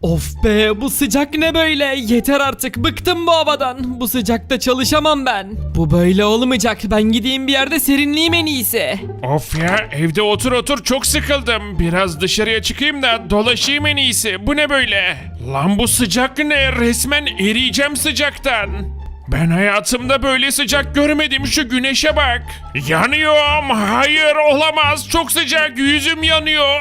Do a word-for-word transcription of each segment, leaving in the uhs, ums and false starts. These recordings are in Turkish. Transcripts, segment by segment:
Of be, bu sıcak ne böyle? Yeter artık, bıktım bu havadan. Bu sıcakta çalışamam ben. Bu böyle olmayacak. Ben gideyim bir yerde serinleyeyim en iyisi. Of ya, evde otur otur çok sıkıldım. Biraz dışarıya çıkayım da dolaşayım en iyisi. Bu ne böyle? Lan bu sıcak ne? Resmen eriyeceğim sıcaktan. Ben hayatımda böyle sıcak görmedim, şu güneşe bak. Yanıyorum. Hayır, olamaz. Çok sıcak. Yüzüm yanıyor.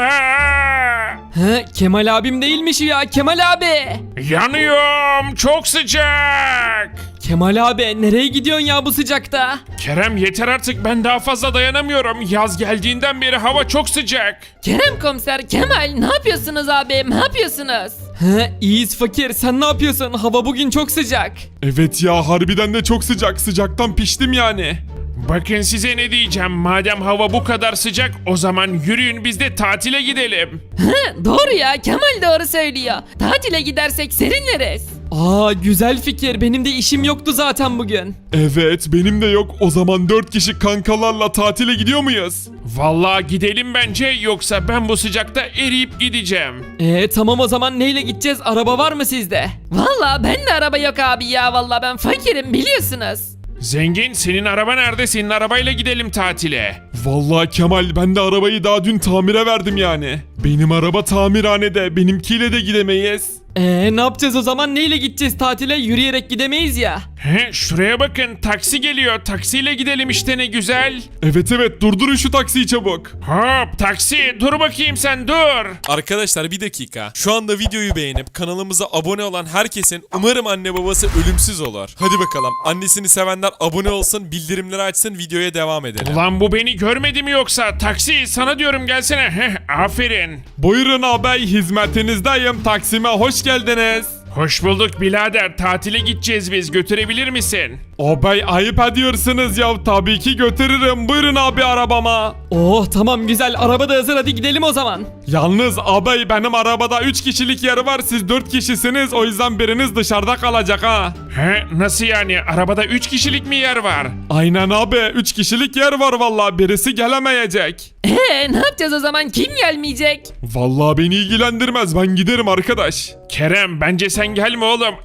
He, Kemal abim değilmiş ya, Kemal abi. Yanıyorum. Çok sıcak. Kemal abi, nereye gidiyorsun ya bu sıcakta? Kerem yeter artık, ben daha fazla dayanamıyorum. Yaz geldiğinden beri hava çok sıcak. Kerem komiser, Kemal ne yapıyorsunuz abi? Ne yapıyorsunuz? He, iyiyiz fakir, sen ne yapıyorsun? Hava bugün çok sıcak. Evet ya, harbiden de çok sıcak. Sıcaktan piştim yani. Bakın size ne diyeceğim. Madem hava bu kadar sıcak, o zaman yürüyün biz de tatile gidelim. Hı, doğru ya, Kemal doğru söylüyor. Tatile gidersek serinleriz. Aa, güzel fikir, benim de işim yoktu zaten bugün. Evet, benim de yok. O zaman dört kişi kankalarla tatile gidiyor muyuz? Vallahi gidelim bence, yoksa ben bu sıcakta eriyip gideceğim. Ee tamam, o zaman neyle gideceğiz? Araba var mı sizde? Valla ben de araba yok abi ya, valla ben fakirim biliyorsunuz. Zengin, senin araba nerede? Senin arabayla gidelim tatile. Vallahi Kemal, ben de arabayı daha dün tamire verdim yani. Benim araba tamirhanede, benimkiyle de gidemeyiz. Ee ne yapacağız o zaman? Neyle gideceğiz tatile? Yürüyerek gidemeyiz ya. He, şuraya bakın, taksi geliyor. Taksiyle gidelim işte, ne güzel. Evet evet, durdurun şu taksiyi çabuk. Hop taksi, dur bakayım sen, dur. Arkadaşlar bir dakika. Şu anda videoyu beğenip kanalımıza abone olan herkesin umarım anne babası ölümsüz olur. Hadi bakalım. Annesini sevenler abone olsun, bildirimleri açsın, videoya devam edelim. Ulan bu beni görmedi mi yoksa? Taksi, sana diyorum gelsene. Heh, aferin. Buyurun ağabey, hizmetinizdeyim. Taksime hoş geldiniz. Hoş bulduk birader, tatile gideceğiz biz, götürebilir misin? Ağabey, ayıp ediyorsunuz ya, tabii ki götürürüm. Buyurun abi arabama. Oh tamam, güzel, araba da hazır, hadi gidelim o zaman. Yalnız ağabey, benim arabada üç kişilik yer var, siz dört kişisiniz, o yüzden biriniz dışarıda kalacak ha. He, nasıl yani? Arabada üç kişilik mi yer var? Aynen abi, üç kişilik yer var vallahi, birisi gelemeyecek. Eee ne yapacağız o zaman, kim gelmeyecek? Vallahi beni ilgilendirmez, ben giderim arkadaş. Kerem, bence sen gelme oğlum.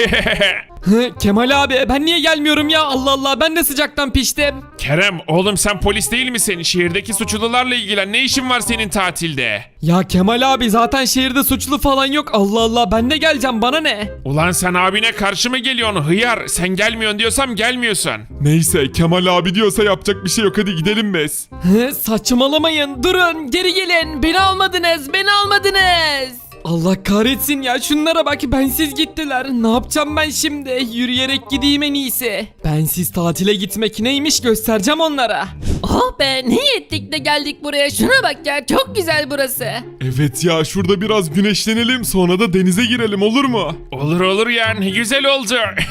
Hı, Kemal abi, ben niye gelmiyorum ya? Allah Allah, ben de sıcaktan piştim. Kerem, oğlum sen polis değil misin? Şehirdeki suçlularla ilgilen, ne işin var senin tatilde? Ya Kemal abi, zaten şehirde suçlu falan yok. Allah Allah, ben de geleceğim, bana ne? Ulan sen abine karşı mı geliyorsun hıyar? Sen gelmiyorsun diyorsam gelmiyorsun. Neyse, Kemal abi diyorsa yapacak bir şey yok, hadi gidelim biz. Hı, saçmalamayın, durun, geri gelin. Beni almadınız, beni almadınız. Allah kahretsin ya, şunlara bak, bensiz gittiler. Ne yapacağım ben şimdi? Yürüyerek gideyim en iyisi. Bensiz tatile gitmek neymiş göstereceğim onlara. Oh be, ne iyi ettik de geldik buraya, şuna bak ya, çok güzel burası. Evet ya, şurada biraz güneşlenelim, sonra da denize girelim, olur mu? Olur olur ya, ne güzel oldu.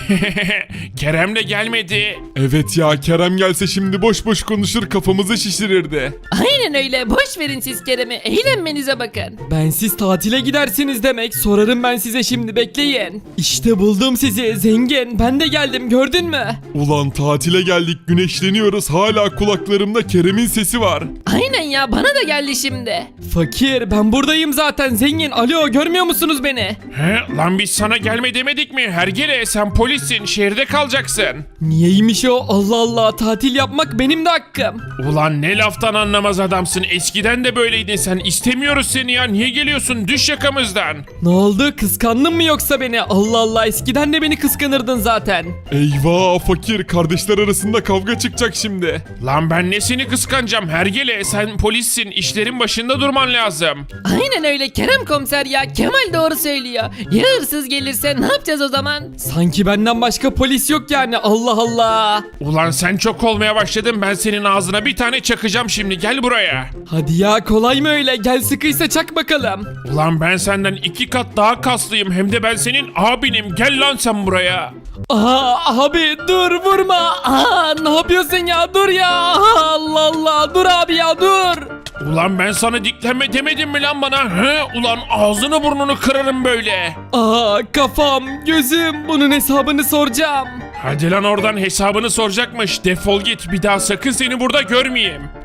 Kerem de gelmedi. Evet ya, Kerem gelse şimdi boş boş konuşur, kafamızı şişirirdi. Aynen öyle, boş verin siz Kerem'i, eğlenmenize bakın. Bensiz tatile gidersiniz demek. Sorarım ben size şimdi, bekleyin. İşte buldum sizi zengin. Ben de geldim, gördün mü? Ulan tatile geldik, güneşleniyoruz, hala kulaklarımda Kerem'in sesi var. Aynen ya, bana da geldi şimdi. Fakir, ben buradayım zaten zengin. Alo, görmüyor musunuz beni? He, lan biz sana gelme demedik mi? Hergele, sen polissin, şehirde kalacaksın. Niyeymiş o? Allah Allah, tatil yapmak benim de hakkım. Ulan ne laftan anlamaz adamsın. Eskiden de böyleydin sen. İstemiyoruz seni ya. Niye geliyorsun? Düş yakamızdan. Ne oldu, kıskandın mı yoksa beni? Allah Allah, eskiden de beni kıskanırdın zaten. Eyvah fakir, kardeşler arasında kavga çıkacak şimdi. Lan ben nesini kıskanacağım hergele? Sen polissin. İşlerin başında durman lazım. Aynen öyle Kerem komiser ya, Kemal doğru söylüyor. Ya hırsız gelirse ne yapacağız o zaman? Sanki benden başka polis yok yani, Allah Allah. Ulan sen çok olmaya başladın. Ben senin ağzına bir tane çakacağım şimdi. Gel buraya. Hadi ya, kolay mı öyle? Gel sıkıysa çak bakalım. Ulan ben senden iki kat daha kaslıyım. Hem de ben senin abinim. Gel lan sen buraya. Aa abi, dur, vurma. Aa, ne yapıyorsun ya, dur ya. Aa, Allah Allah, dur abi ya, dur. Ulan ben sana diklenme demedim mi lan bana? He? Ulan ağzını burnunu kırarım böyle. Aa, kafam, gözüm, bunun hesabını soracağım. Hadi lan oradan, hesabını soracakmış. Defol git, bir daha sakın seni burada görmeyeyim.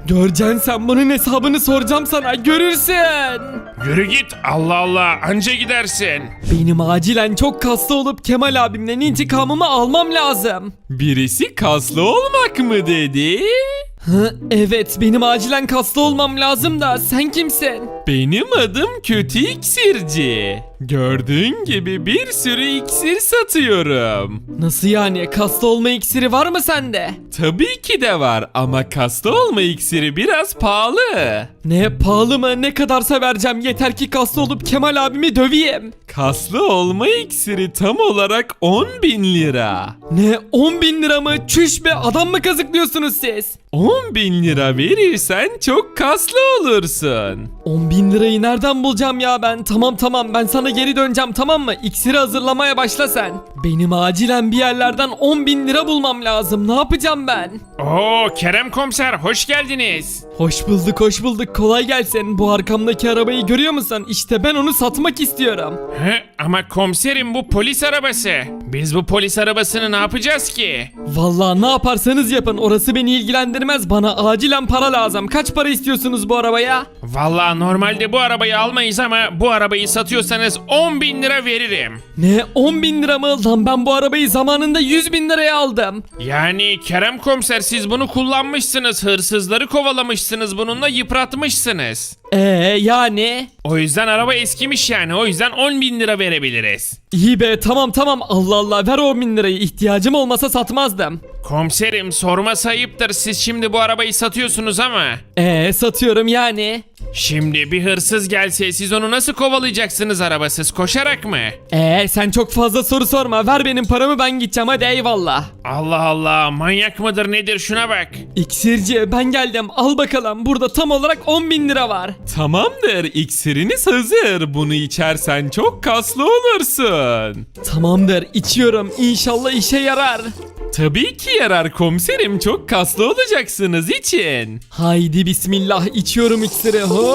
Göreceksin sen, bunun hesabını soracağım sana, görürsün. Yürü git, Allah Allah, anca gidersin. Benim acilen çok kaslı olup Kemal abimden intikamımı almam lazım. Birisi kaslı olmak mı dedi? Hı, evet, benim acilen kaslı olmam lazım da sen kimsin? Benim adım Kötü İksirci. Gördüğün gibi bir sürü iksir satıyorum. Nasıl yani, kaslı olma iksiri var mı sende? Tabii ki de var ama kaslı olma iksiri biraz pahalı. Ne, pahalı mı? Ne kadarsa vereceğim, yeter ki kaslı olup Kemal abimi döveyim. Kaslı olma iksiri tam olarak on bin lira. Ne, on bin lira mı? Çüş be, adam mı kazıklıyorsunuz siz? on bin lira verirsen çok kaslı olursun. on bin lirayı nereden bulacağım ya ben? Tamam tamam, ben sana geri döneceğim, tamam mı? İksiri hazırlamaya başla sen. Benim acilen bir yerlerden on bin lira bulmam lazım. Ne yapacağım ben? Oo, Kerem komiser, hoş geldiniz. Hoş bulduk hoş bulduk, kolay gelsin. Bu arkamdaki arabayı görüyor musun? İşte ben onu satmak istiyorum. He, ama komiserim, bu polis arabası. Biz bu polis arabasını ne yapacağız ki? Vallahi ne yaparsanız yapın, orası beni ilgilendirmez. Bana acilen para lazım. Kaç para istiyorsunuz bu arabaya? Vallahi normalde bu arabayı almayız ama bu arabayı satıyorsanız on bin lira veririm. Ne, on bin lira mı? Lan ben bu arabayı zamanında yüz bin liraya aldım. Yani Kerem komiser, siz bunu kullanmışsınız, hırsızları kovalamışsınız, bununla yıpratmışsınız. Ee yani? O yüzden araba eskimiş yani, o yüzden on bin lira verebiliriz. İyi be, tamam tamam, Allah Allah, ver on bin lirayı, ihtiyacım olmasa satmazdım. Komiserim, sorması ayıptır, siz şimdi bu arabayı satıyorsunuz ama Ee satıyorum yani. şimdi bir hırsız gelse siz onu nasıl kovalayacaksınız arabasız, koşarak mı? Ee sen çok fazla soru sorma, ver benim paramı, ben gideceğim, hadi eyvallah. Allah Allah, manyak mıdır nedir, şuna bak. İksirci, ben geldim, al bakalım, burada tam olarak on bin lira var. Tamamdır, iksiriniz hazır. Bunu içersen çok kaslı olursun. Tamamdır, içiyorum, İnşallah işe yarar. Tabii ki yarar komiserim, çok kaslı olacaksınız için. Haydi bismillah, içiyorum iksiri. Ho!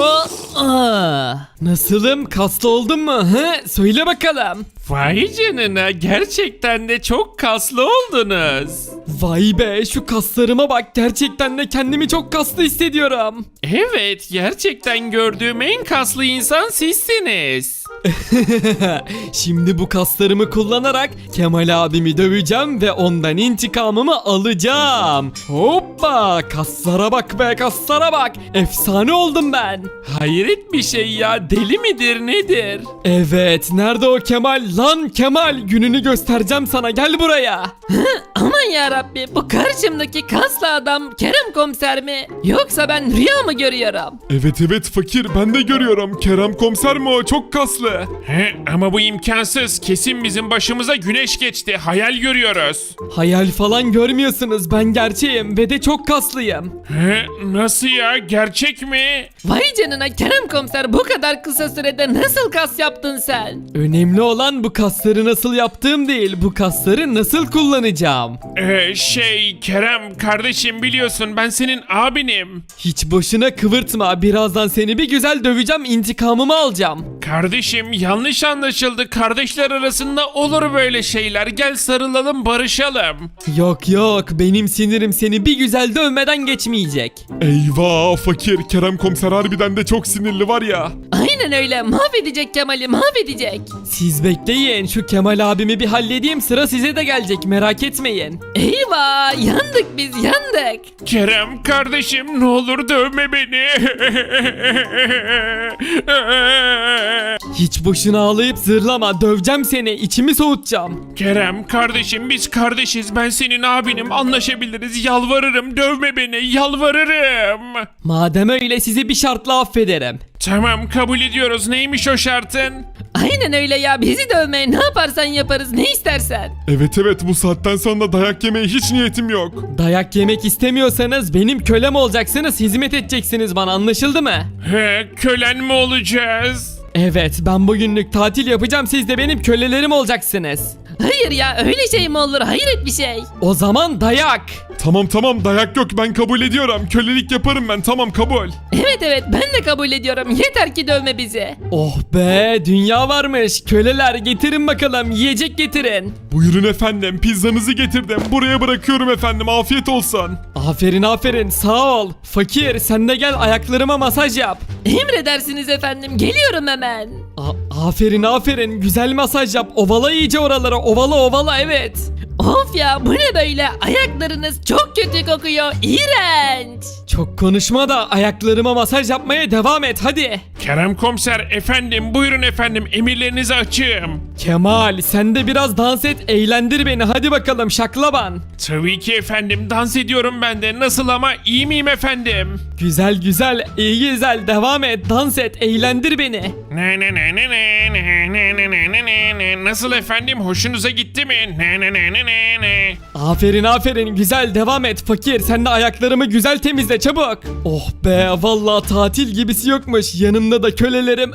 Aa! Nasılım, kaslı oldum mu? Hı? Söyle bakalım. Vay canına, gerçekten de çok kaslı oldunuz. Vay be, şu kaslarıma bak, gerçekten de kendimi çok kaslı hissediyorum. Evet, gerçekten gördüğüm en kaslı insan sizsiniz. Şimdi bu kaslarımı kullanarak Kemal abimi döveceğim ve ondan intikamımı alacağım. Hoppa, kaslara bak be, kaslara bak. Efsane oldum ben. Hayret bir şey ya, deli midir nedir? Evet, nerede o Kemal? Lan Kemal, gününü göstereceğim sana, gel buraya. Aman yarabbi, bu karşımdaki kaslı adam Kerem komiser mi? Yoksa ben rüya mı görüyorum? Evet evet fakir, ben de görüyorum. Kerem komiser mi o? Çok kaslı. He, ama bu imkansız, kesin bizim başımıza güneş geçti, hayal görüyoruz. Hayal falan görmüyorsunuz, ben gerçeğim ve de çok kaslıyım. He, nasıl ya, gerçek mi? Vay canına Kerem komiser, bu kadar kısa sürede nasıl kas yaptın sen? Önemli olan bu kasları nasıl yaptığım değil, bu kasları nasıl kullanacağım. Ee, şey Kerem kardeşim, biliyorsun ben senin abinim. Hiç boşuna kıvırtma, birazdan seni bir güzel döveceğim, intikamımı alacağım. Kardeşim, yanlış anlaşıldı, kardeşler arasında olur böyle şeyler, gel sarılalım, barışalım. Yok yok, benim sinirim seni bir güzel dövmeden geçmeyecek. Eyvah fakir, Kerem komiser harbiden de çok sinirli var ya. Aynen öyle, mahvedecek Kemal'i, mahvedecek. Siz bekleyin, şu Kemal abimi bir halledeyim, sıra size de gelecek, merak etmeyin. Eyvah, yandık biz, yandık. Kerem kardeşim, ne olur dövme beni. Hiç boşuna ağlayıp zırlama, döveceğim seni, içimi soğutacağım. Kerem kardeşim, biz kardeşiz, ben senin abinim, anlaşabiliriz, yalvarırım, dövme beni, yalvarırım. Madem öyle, sizi bir şartla affederim. Tamam, kabul ediyoruz, neymiş o şartın? Aynen öyle ya, bizi dövmeye ne yaparsan yaparız, ne istersen. Evet evet, bu saatten sonra dayak yemeye hiç niyetim yok. Dayak yemek istemiyorsanız benim kölem olacaksınız, hizmet edeceksiniz bana, anlaşıldı mı? He, kölen mi olacağız? Evet, ben bugünlük tatil yapacağım, siz de benim kölelerim olacaksınız. Hayır ya, öyle şey mi olur, hayret bir şey. O zaman dayak. Tamam tamam dayak yok ben kabul ediyorum. Kölelik yaparım ben tamam kabul. Evet evet ben de kabul ediyorum. Yeter ki dövme bizi. Oh be dünya varmış. Köleler getirin bakalım yiyecek getirin. Buyurun efendim pizzanızı getirdim. Buraya bırakıyorum efendim afiyet olsun. Aferin aferin sağ ol. Fakir sen de gel ayaklarıma masaj yap. Emredersiniz efendim. Geliyorum hemen. A- aferin aferin güzel masaj yap. Ovala iyice oralara ovala ovala evet. Of ya bu ne böyle? Ayaklarınız çok kötü kokuyor. İğrenç. Çok konuşma da ayaklarıma masaj yapmaya devam et hadi. Kerem komiser efendim buyurun efendim emirlerinizi açığım. Kemal sen de biraz dans et eğlendir beni hadi bakalım şaklaban. Tabii ki efendim dans ediyorum ben de nasıl ama iyi miyim efendim? Güzel güzel iyi güzel devam et dans et eğlendir beni. Ne ne ne ne ne ne ne ne ne ne ne ne nasıl efendim hoşunuza gitti mi? Ne ne ne ne ne ne. Aferin aferin güzel devam et fakir sen de ayaklarımı güzel temizle çabuk. Oh be vallahi tatil gibisi yokmuş yanımda da kölelerim.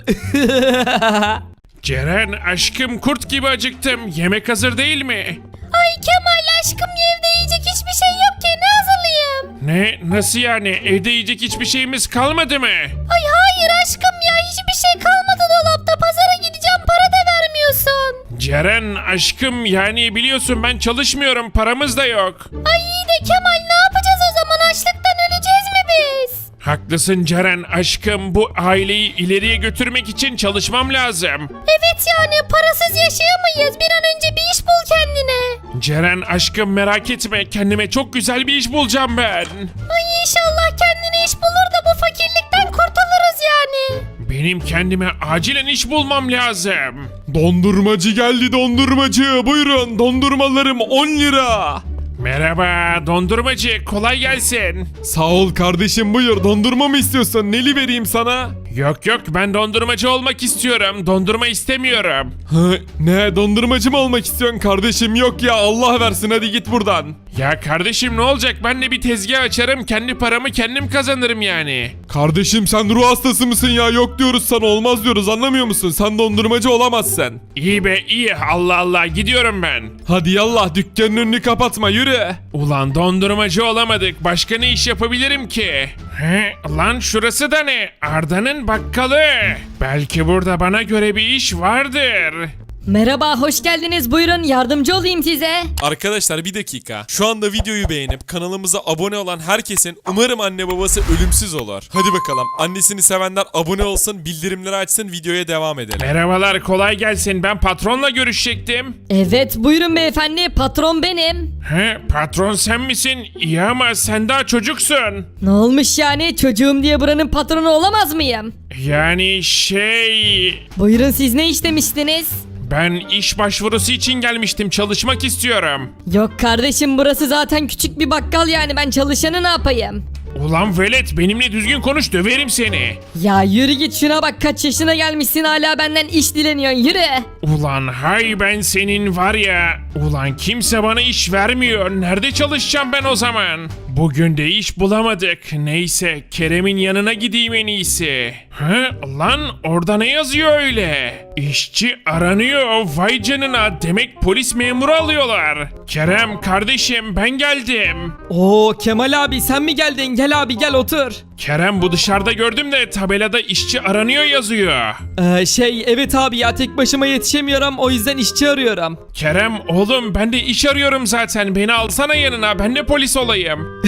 Ceren aşkım kurt gibi acıktım yemek hazır değil mi? Ay Kemal aşkım evde yiyecek hiçbir şey yok ki ne hazırlayayım? Ne nasıl yani evde yiyecek hiçbir şeyimiz kalmadı mı? Ay hayır aşkım ya hiçbir şey kalmadı dolapta pazara gideceğim para da vermiyorsun. Ceren aşkım yani biliyorsun ben çalışmıyorum paramız da yok. Ay iyi de Kemal ne yapacağız o zaman açlıktan öleceğiz mi biz? Haklısın Ceren aşkım bu aileyi ileriye götürmek için çalışmam lazım. Evet yani parasız yaşayamayız bir an önce bir iş bul kendine. Ceren aşkım merak etme kendime çok güzel bir iş bulacağım ben. Ay inşallah kendine iş bulur da bu fakirlikten kurtuluruz yani. Benim kendime acilen iş bulmam lazım. Dondurmacı geldi dondurmacı. Buyurun dondurmalarım on lira. Merhaba dondurmacı kolay gelsin. Sağ ol kardeşim buyur. Dondurma mı istiyorsun? Neli vereyim sana? Yok yok ben dondurmacı olmak istiyorum. Dondurma istemiyorum. Hı, ne dondurmacı mı olmak istiyorsun kardeşim? Yok ya Allah versin hadi git buradan. Ya kardeşim ne olacak ben de bir tezgah açarım kendi paramı kendim kazanırım yani. Kardeşim sen ruh hastası mısın ya? Yok diyoruz sana olmaz diyoruz anlamıyor musun? Sen dondurmacı olamazsın. İyi be iyi Allah Allah gidiyorum ben. Hadi yallah dükkanın önünü kapatma yürü. Ulan dondurmacı olamadık başka ne iş yapabilirim ki? He lan şurası da ne? Arda'nın bakkalı. Belki burada bana göre bir iş vardır. Merhaba, hoş geldiniz. Buyurun yardımcı olayım size. Arkadaşlar bir dakika. Şu anda videoyu beğenip kanalımıza abone olan herkesin umarım anne babası ölümsüz olur. Hadi bakalım. Annesini sevenler abone olsun, bildirimleri açsın, videoya devam edelim. Merhabalar kolay gelsin ben patronla görüşecektim. Evet, buyurun beyefendi. Patron benim. He patron sen misin? İyi ama sen daha çocuksun. Ne olmuş yani? Çocuğum diye buranın patronu olamaz mıyım? Yani şey... Buyurun siz ne istemiştiniz? Ben iş başvurusu için gelmiştim çalışmak istiyorum. Yok kardeşim burası zaten küçük bir bakkal yani ben çalışanı ne yapayım? Ulan velet benimle düzgün konuş döverim seni. Ya yürü git şuna bak kaç yaşına gelmişsin hala benden iş dileniyorsun yürü. Ulan hay ben senin var ya. Ulan kimse bana iş vermiyor. Nerede çalışacağım ben o zaman? Bugün de iş bulamadık. Neyse Kerem'in yanına gideyim en iyisi. He lan orada ne yazıyor öyle? İşçi aranıyor. Vay canına demek polis memuru alıyorlar. Kerem kardeşim ben geldim. Oo Kemal abi sen mi geldin gel abi gel otur. Kerem bu dışarıda gördüm de tabelada işçi aranıyor yazıyor. Ee, şey evet abi ya tek başıma yetişemiyorum o yüzden işçi arıyorum. Kerem oğlum ben de iş arıyorum zaten beni alsana yanına ben de polis olayım.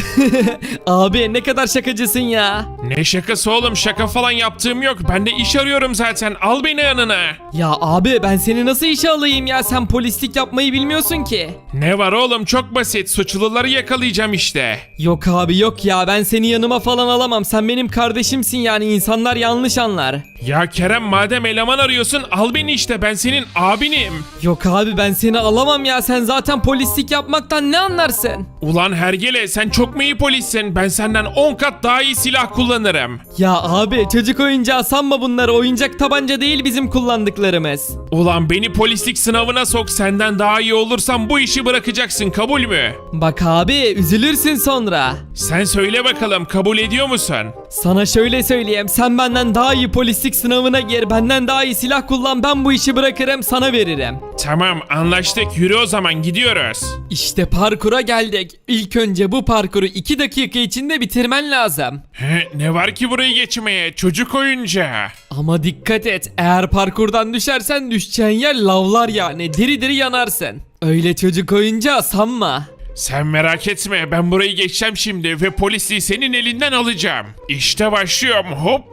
Abi ne kadar şakacısın ya. Ne şakası oğlum şaka falan yaptığım yok ben de iş arıyorum zaten al beni yanına. Ya abi ben seni nasıl işe alayım ya sen polislik yapmayı bilmiyorsun ki. Ne var oğlum çok basit suçluları yakalayacağım işte. Yok abi yok ya ben seni yanıma falan alamam sen benim kardeşimsin yani insanlar yanlış anlar. Ya Kerem madem eleman arıyorsun al beni işte ben senin abinim. Yok abi ben seni alamam ya sen zaten polislik yapmaktan ne anlarsın? Ulan hergele sen çok mu iyi polissin ben senden on kat daha iyi silah kullanırım. Ya abi çocuk oyuncağı sanma bunları oyuncak tabanca değil bizim kullandıklarımız. Ulan beni polislik sınavına sok senden daha iyi olursam bu işi bırakacaksın kabul mü? Bak abi üzülürsün sonra. Sen söyle bakalım kabul ediyor musun? musun? Sana şöyle söyleyeyim, sen benden daha iyi polislik sınavına gir, benden daha iyi silah kullan, ben bu işi bırakırım, sana veririm. Tamam anlaştık, yürü o zaman gidiyoruz. İşte parkura geldik. İlk önce bu parkuru iki dakika içinde bitirmen lazım. He, ne var ki burayı geçmeye, çocuk oyuncağı. Ama dikkat et, eğer parkurdan düşersen düşeceğin yer lavlar yani, diri diri yanarsın. Öyle çocuk oyuncağı sanma. Sen merak etme, ben burayı geçeceğim şimdi ve polisi senin elinden alacağım. İşte başlıyorum, hop.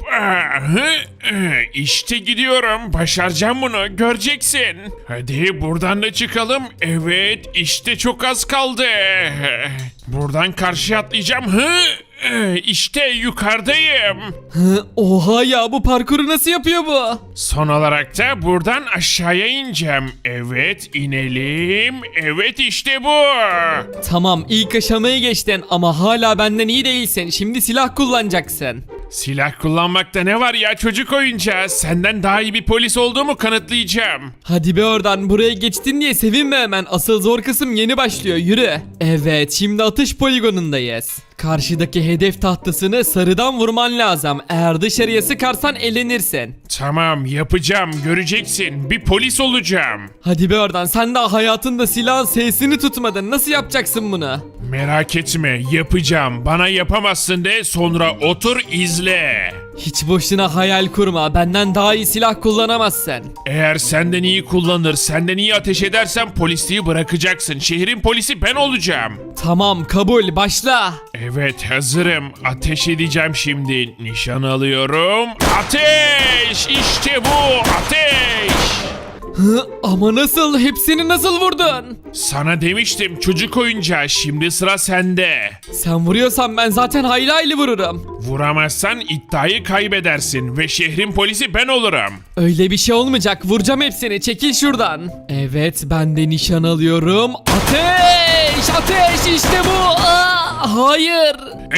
İşte gidiyorum, başaracağım bunu, göreceksin. Hadi buradan da çıkalım. Evet, işte çok az kaldı. Buradan karşıya atlayacağım. Hı? İşte yukarıdayım. Hı, oha ya, bu parkuru nasıl yapıyor bu? Son olarak da buradan aşağıya ineceğim. Evet, inelim. Evet, işte bu. Tamam, ilk aşamayı geçtin ama hala benden iyi değilsin. Şimdi silah kullanacaksın. Silah kullanmakta ne var ya, çocuk oyuncağı? Senden daha iyi bir polis olduğumu kanıtlayacağım. Hadi be oradan, buraya geçtin diye sevinme hemen. Asıl zor kısım yeni başlıyor, yürü. Evet, şimdi atış poligonundayız. Karşıdaki hedef tahtasını sarıdan vurman lazım. Eğer dışarıya sıkarsan elenirsin. Tamam, yapacağım, göreceksin. Bir polis olacağım. Hadi be oradan, sen daha hayatında silahın sesini tutmadın. Nasıl yapacaksın bunu? Merak etme, yapacağım. Bana yapamazsın de, sonra otur izle. Hiç boşuna hayal kurma. Benden daha iyi silah kullanamazsın. Eğer senden iyi kullanır, senden iyi ateş edersen polisliği bırakacaksın. Şehrin polisi ben olacağım. Tamam, kabul, başla. Evet, hazırım. Ateş edeceğim şimdi. Nişan alıyorum. Ateş! İşte bu, ateş! Hı, ama nasıl? Hepsini nasıl vurdun? Sana demiştim çocuk oyuncağı, şimdi sıra sende. Sen vuruyorsan ben zaten hayli hayli vururum. Vuramazsan iddiayı kaybedersin ve şehrin polisi ben olurum. Öyle bir şey olmayacak. Vuracağım hepsini. Çekil şuradan. Evet, ben de nişan alıyorum. Ateş! Ateş! İşte bu! Aa, hayır!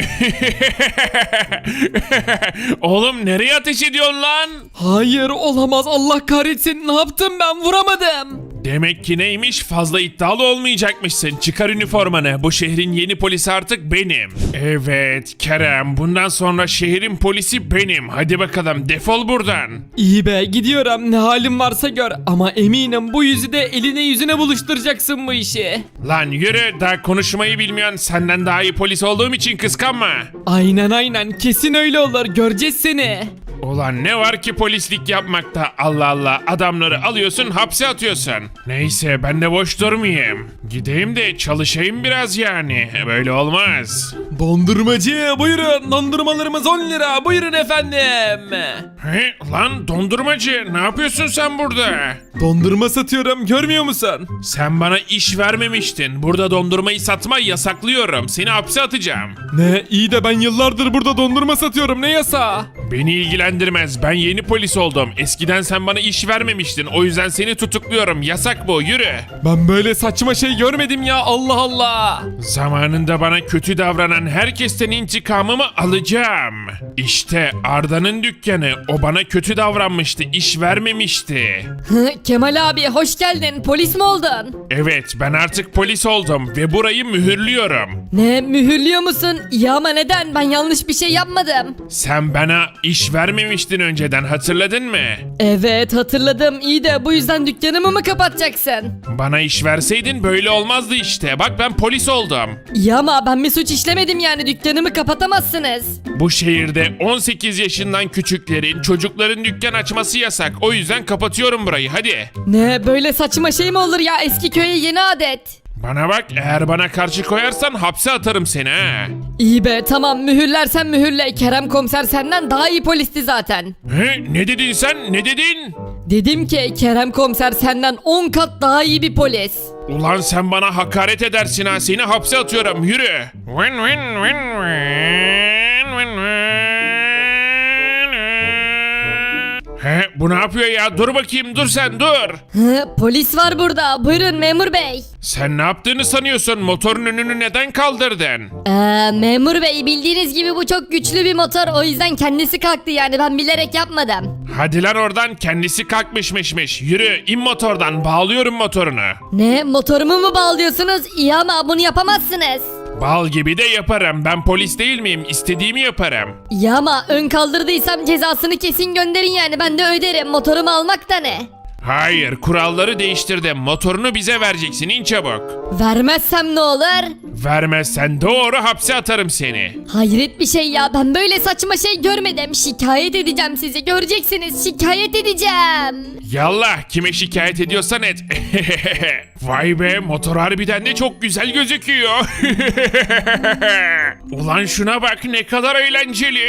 Oğlum nereye ateş ediyorsun lan? Hayır, olamaz. Allah kahretsin. Ne yaptım ben? Vuramadım. Demek ki neymiş, fazla iddialı olmayacakmışsın. Çıkar üniformanı, bu şehrin yeni polisi artık benim. Evet Kerem, bundan sonra şehrin polisi benim. Hadi bakalım, defol buradan. İyi be, gidiyorum. Ne halim varsa gör. Ama eminim bu yüzü de eline yüzüne buluşturacaksın bu işi. Lan yürü, daha konuşmayı bilmiyorsun. Senden daha iyi polis olduğum için kıskanma. Aynen aynen. Kesin öyle olur. Göreceğiz seni. Ulan ne var ki polislik yapmakta, Allah Allah, adamları alıyorsun hapse atıyorsun. Neyse, ben de boş durmayayım. Gideyim de çalışayım biraz yani, böyle olmaz. Dondurmacı, buyurun. Dondurmalarımız on lira. Buyurun efendim. He, lan dondurmacı, ne yapıyorsun sen burada? Dondurma satıyorum. Görmüyor musun? Sen bana iş vermemiştin, burada dondurmayı satmayı yasaklıyorum, seni hapse atacağım. Ne? İyi de ben yıllardır burada dondurma satıyorum. Ne yasağı? Beni ilgilendirmez, ben yeni polis oldum. Eskiden sen bana iş vermemiştin, o yüzden seni tutukluyorum, yasak bu, yürü. Ben böyle saçma şey görmedim ya. Allah Allah. Zamanında bana kötü davranan herkesten intikamımı alacağım. İşte Arda'nın dükkanı, o bana kötü davranmıştı, iş vermemişti. Hı, Kemal abi hoş geldin. Polis mi oldun? Evet, ben artık polis oldum ve burayı mühürlüyorum. Ne, mühürlüyor musun? Ya ama neden? Ben yanlış bir şey yapmadım. Sen bana iş vermemiştin önceden, hatırladın mı? Evet hatırladım. İyi de bu yüzden dükkanımı mı kapatacaksın? Bana iş verseydin böyle olmazdı işte. Bak ben polis oldum. Ya ama ben bir suç işlemedim yani, dükkanımı kapatamazsınız. Bu şehirde on sekiz yaşından küçüklerin, çocukların dükkan açması yasak. O yüzden kapatıyorum burayı, hadi. Ne, böyle saçma şey mi olur ya, eski köye yeni adet. Bana bak, eğer bana karşı koyarsan hapse atarım seni ha. İyi be, tamam, mühürlersen mühürle. Kerem komiser senden daha iyi polisti zaten. He, ne dedin sen, ne dedin? Dedim ki Kerem komiser senden on kat daha iyi bir polis. Ulan sen bana hakaret edersin ha, seni hapse atıyorum, yürü. Win, win, win, win, win, win. He, bu ne yapıyor ya, dur bakayım, dur sen dur. Hı, polis var burada, buyurun memur bey. Sen ne yaptığını sanıyorsun, motorun önünü neden kaldırdın? Ee, memur bey, bildiğiniz gibi bu çok güçlü bir motor, o yüzden kendisi kalktı yani, ben bilerek yapmadım. Hadi lan oradan, kendisi kalkmışmışmış. Yürü, in motordan, bağlıyorum motorunu. Ne, motorumu mu bağlıyorsunuz? İyi ama bunu yapamazsınız. Bal gibi de yaparım. Ben polis değil miyim? İstediğimi yaparım. Ya ama ön kaldırdıysam cezasını kesin gönderin yani ben de öderim. Motorumu almak da ne? Hayır, kuralları değiştirdim. Motorunu bize vereceksin, in çabuk. Vermezsem ne olur? Vermezsen doğru hapse atarım seni. Hayret bir şey ya ben böyle saçma şey görmedim. Şikayet edeceğim sizi göreceksiniz şikayet edeceğim. Yallah, kime şikayet ediyorsan et. Vay be, motor harbiden de çok güzel gözüküyor. Ulan şuna bak, ne kadar eğlenceli.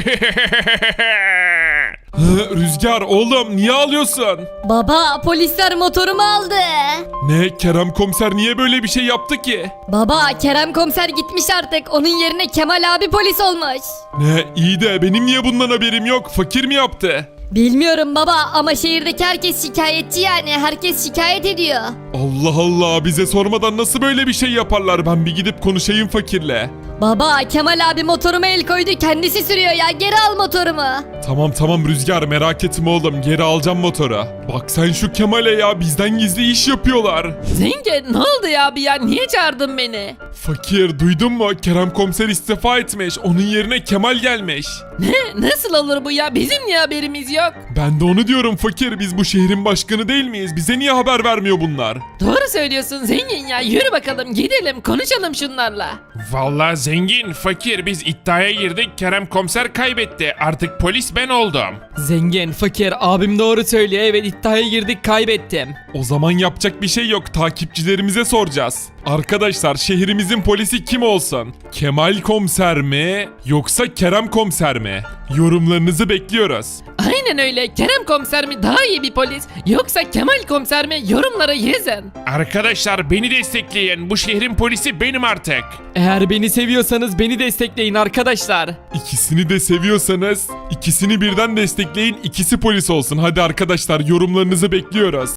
Hı, Rüzgar oğlum niye ağlıyorsun? Baba polisler motorumu aldı. Ne Kerem komiser niye böyle bir şey yaptı ki? Baba Kerem komiser gitmiş artık onun yerine Kemal abi polis olmuş. Ne iyi de benim niye bundan haberim yok? Fakir mi yaptı? Bilmiyorum baba ama şehirdeki herkes şikayetçi yani herkes şikayet ediyor. Allah Allah bize sormadan nasıl böyle bir şey yaparlar? Ben bir gidip konuşayım fakirle. Baba Kemal abi motoruma el koydu kendisi sürüyor ya geri al motorumu. Tamam tamam Rüzgar merak etme oğlum geri alacağım motoru. Bak sen şu Kemal'e ya bizden gizli iş yapıyorlar. Zengin ne oldu ya abi ya niye çağırdın beni? Fakir duydun mu? Kerem komiser istifa etmiş. Onun yerine Kemal gelmiş. Ne nasıl olur bu ya bizim niye haberimiz yok? Ben de onu diyorum fakir. Biz bu şehrin başkanı değil miyiz? Bize niye haber vermiyor bunlar? Doğru söylüyorsun zengin ya yürü bakalım gidelim konuşalım şunlarla. Vallahi zengin, fakir, biz iddiaya girdik. Kerem komiser kaybetti. Artık polis ben oldum. Zengin, fakir, abim doğru söylüyor. Evet iddiaya girdik kaybettim. O zaman yapacak bir şey yok. Takipçilerimize soracağız. Arkadaşlar şehrimizin polisi kim olsun? Kemal komiser mi? Yoksa Kerem komiser mi? Yorumlarınızı bekliyoruz. Aynen öyle Kerem komiser mi daha iyi bir polis yoksa Kemal komiser mi yorumlara yazın. Arkadaşlar beni destekleyin. Bu şehrin polisi benim artık. Eğer beni seviyorsanız beni destekleyin arkadaşlar. İkisini de seviyorsanız ikisini birden destekleyin. İkisi polis olsun. Hadi arkadaşlar yorumlarınızı bekliyoruz.